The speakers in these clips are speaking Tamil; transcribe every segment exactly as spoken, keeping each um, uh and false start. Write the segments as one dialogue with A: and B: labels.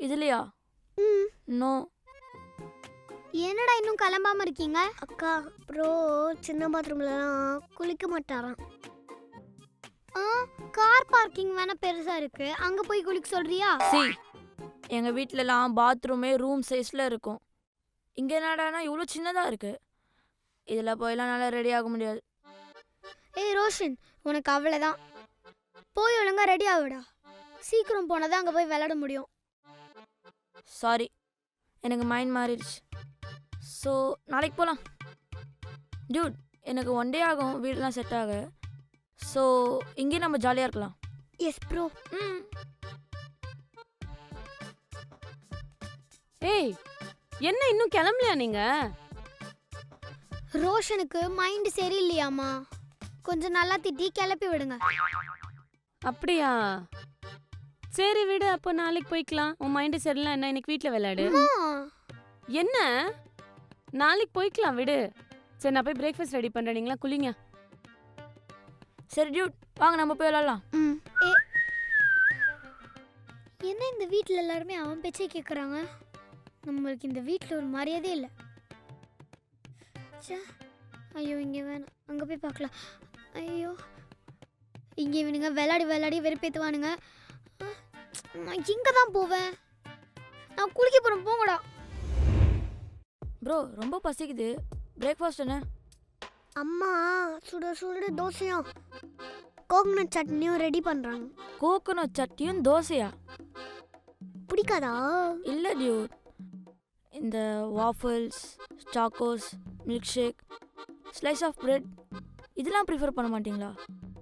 A: இதுலையா?
B: ம்
A: நோ.
B: என்னடா இன்னும் கிளம்பாம இருக்கீங்க?
C: அக்கா ப்ரோ சின்ன பாத்ரூம்லலாம் குளிக்க மாட்டாராம்.
B: ஆ கார் பார்க்கிங் வேணா பெருசா இருக்கு, அங்க போய் குளிக்க சொல்றியா?
A: சி, எங்கள் வீட்டிலலாம் பாத்ரூமே ரூம் சைஸில் இருக்கும். இங்கே என்னடானா இவ்வளோ சின்னதாக இருக்குது. இதில் போயெல்லாம் நல்லா ரெடி ஆக முடியாது.
B: ஏய் ரோஷன், உனக்கு அவ்வளோதான். போய் ஒழுங்கா ரெடி ஆகுடா. சீக்கிரம் போனால் தான் அங்கே போய் விளையாட முடியும்.
A: சாரி, எனக்கு மைண்ட் மாறிடுச்சு. ஸோ நாளைக்கு போகலாம். டியூட், எனக்கு ஒன் டே ஆகும் வீடெலாம் செட் ஆக. ஸோ இங்கேயே நம்ம ஜாலியாக இருக்கலாம்.
B: Yes bro.
A: ம்.
D: ஏய், என்ன இன்னும் கிளம்பலையா நீங்க?
B: ரோஷனுக்கு மைண்ட் சரியில்லையாமா, கொஞ்சம் நல்லா திட்டி கிளப்பி விடுங்க.
D: அப்படியா? சரி விடு, அப்போ நாளைக்கு போய்க்கலாம். உன் மைண்டு சரியில்லை என்ன, இன்னைக்கு வீட்டில் விளையாடு. என்ன நாளைக்கு போய்க்கலாம் விடு. சரி நான் போய் பிரேக்ஃபாஸ்ட் ரெடி பண்ணுறேன், நீங்களா குளிங்க.
A: சரி டியூட், வாங்க நம்ம போய் விளாட்லாம்.
B: ம். ஏ என்ன இந்த வீட்டில் எல்லாருமே அவன் பேச்சே கேட்குறாங்க? நம்மளுக்கு இந்த வீட்டில் ஒரு மரியாதையே இல்லை. ஐயோ இங்கே வேணாம், அங்கே போய் பார்க்கலாம். ஐயோ இங்கே இவனுங்க விளையாடி விளையாடி வெறுப்பேற்றுவானுங்க. நான் இங்கே தான் போவேன். நான் குளிக்க போகிறேன், போங்கடா.
A: ப்ரோ ரொம்ப பசிக்குது, பிரேக்ஃபாஸ்ட் என்ன?
C: அம்மா சுட சுட தோசையும் கோகனட் சட்னியும் ரெடி பண்ணுறாங்க.
A: கோகோனட் சட்னியும் தோசையா?
C: பிடிக்காதா?
A: இல்லை டியூட், இந்த waffles, chocos, milk shake, slice of bread இதெல்லாம் ப்ரிஃபர் பண்ண மாட்டிங்களா?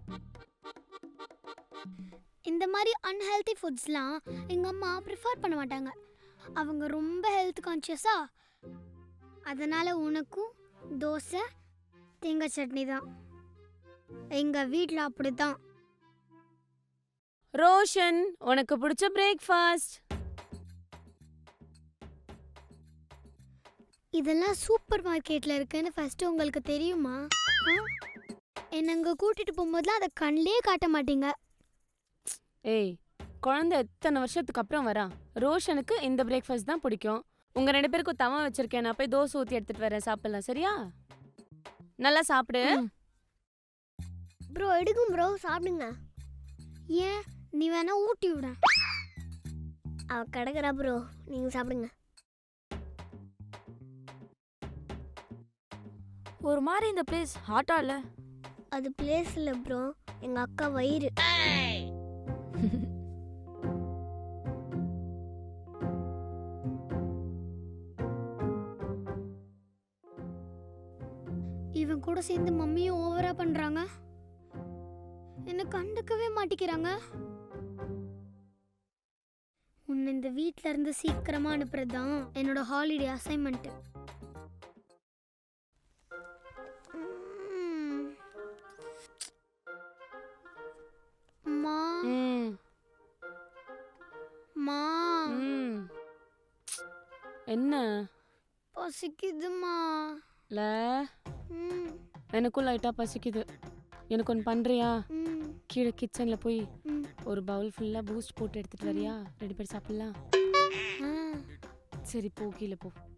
B: இந்த மாதிரி அன்ஹெல்தி ஃபுட்ஸ்லாம் எங்கள் அம்மா ப்ரிஃபர் பண்ண மாட்டாங்க. அவங்க ரொம்ப ஹெல்த் கான்ஷியஸா. அதனால் உனக்கும் தோசை தேங்காய் சட்னி தான். எங்கள் வீட்டில் அப்படி தான்.
D: ரோஷன், உனக்கு பிடிச்ச பிரேக்ஃபாஸ்ட்.
B: இதெல்லாம் சூப்பர் மார்க்கெட்டில் இருக்குன்னு ஃபஸ்ட்டு உங்களுக்கு தெரியுமா? என்னை அங்கே கூட்டிகிட்டு போகும்போதுலாம் அதை கண்ணிலே காட்ட மாட்டீங்க.
D: ஏய், குழந்தை எத்தனை வருஷத்துக்கு அப்புறம் வரா. ரோஷனுக்கு இந்த பிரேக்ஃபாஸ்ட் தான் பிடிக்கும். உங்க ரெண்டு பேருக்கும் தவா வச்சிருக்கேன், நான் போய் தோசை ஊற்றி எடுத்துட்டு வரேன், சாப்பிடலாம். சரியா? நல்லா சாப்பிடு.
C: ப்ரோ எடுக்கும் ப்ரோ, சாப்பிடுங்க.
B: ஏன் நீ வேணா ஊட்டி விட.
C: அவ கிடக்குறா ப்ரோ, நீங்கள் சாப்பிடுங்க.
A: ஒரு மாதிரி இந்த பிளேஸ் ஹாட்டா இல்லை?
C: அது பிளேஸ் இல்லை ப்ரோ, எங்கள் அக்கா வயிறு.
B: இவன் கூட சேர்ந்து மம்மியும் ஓவரா பண்றாங்க. என்ன கண்டுக்கவே மாட்டிக்கிறாங்க. உன்னை இந்த வீட்ல இருந்து சீக்கிரமா அனுப்புறது தான் என்னோட ஹாலிடே அசைன்மெண்ட். மா
D: ம்
B: மா
D: ம் என்ன
B: பசிக்குதுமா.
D: ல
B: ம்
D: எனக்கும் லைட்டாக பசிக்குது. எனக்கு ஒன்று பண்ணுறியா?
B: ம்
D: கீழே கிச்சனில் போய்
B: ம்
D: ஒரு பவுல் ஃபுல்லாக பூஸ்ட் போட்டு எடுத்துகிட்டு வரியா? ரெண்டு பேர் சாப்பிட்லாம்.
B: ஆ
D: சரி போ, கீழே போ.